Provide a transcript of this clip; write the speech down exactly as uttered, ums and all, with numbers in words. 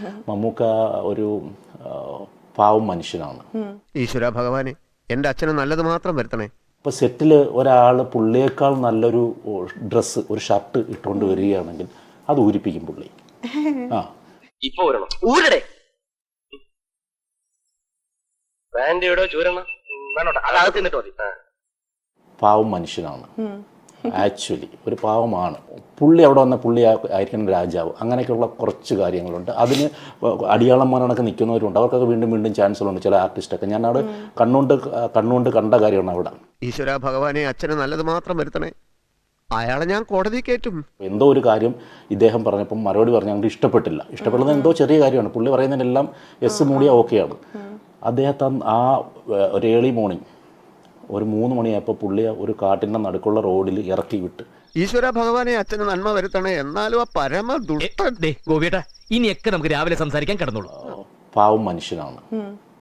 മമ്മൂക്ക ഒരു പാവം മനുഷ്യനാണ്. ഈശ്വര ഭഗവാനെ, എൻ്റെ അച്ഛന് നല്ലത് മാത്രം വരുത്തണേ. ഇപ്പോൾ സെറ്റിൽ ഒരാൾ പുള്ളിയേക്കാൾ നല്ലൊരു ഡ്രസ്സ്, ഒരു ഷർട്ട് ഇട്ടുകൊണ്ട് വരികയാണെങ്കിൽ അത് ഊരിപ്പിക്കും പുള്ളി. ആ ഇപ്പൊ ഊരടെ ബ്രാൻഡിയോടോ ചൂരണ അകത്ത് നിന്നിട്ട് മതി. പാവം മനുഷ്യനാണ് ആക്ച്വലി, ഒരു പാവമാണ് പുള്ളി. അവിടെ വന്ന പുള്ളി ആയിരിക്കണം രാജാവ്. അങ്ങനെയൊക്കെയുള്ള കുറച്ച് കാര്യങ്ങളുണ്ട്. അതിന് അടിയാളന്മാരൊക്കെ നിൽക്കുന്നവരുണ്ട്. അവർക്കൊക്കെ വീണ്ടും വീണ്ടും ചാൻസുകളുണ്ട്. ചില ആർട്ടിസ്റ്റൊക്കെ ഞാൻ അവിടെ കണ്ണുകൊണ്ട് കണ്ണുകൊണ്ട് കണ്ട കാര്യമാണ് അവിടെ. ഈശ്വര ഭഗവാനെ, അച്ഛന് നല്ലത് മാത്രം വരുത്തണേ. അയാളെ ഞാൻ കോടതി കയറ്റും. എന്തോ ഒരു കാര്യം ഇദ്ദേഹം പറഞ്ഞപ്പം മറുപടി പറഞ്ഞാൽ ഞങ്ങൾക്ക് ഇഷ്ടപ്പെട്ടില്ല. ഇഷ്ടപ്പെടുന്നത് എന്തോ ചെറിയ കാര്യമാണ്. പുള്ളി പറയുന്നതിനെല്ലാം എസ് മൂടിയ ഓക്കെയാണ്. അദ്ദേഹത്തെ ആ ഒരു ഏർലി മോർണിംഗ് ഒരു മൂന്ന് മണിയായപ്പോൾ പുള്ളിയെ ഒരു കാട്ടിൻ്റെ നടുക്കുള്ള റോഡിൽ ഇറക്കി വിട്ട്. ഈശ്വര ഭഗവാനെ, അച്ഛന് നന്മ വരുത്തണേ. എന്നാലും ആ പരമ ദുഷ്ട ഗോപിയേട്ടാ, ഇനിയൊക്കെ നമുക്ക് രാവിലെ സംസാരിക്കാൻ കിടന്നുള്ളൂ. പാവം മനുഷ്യനാണ്.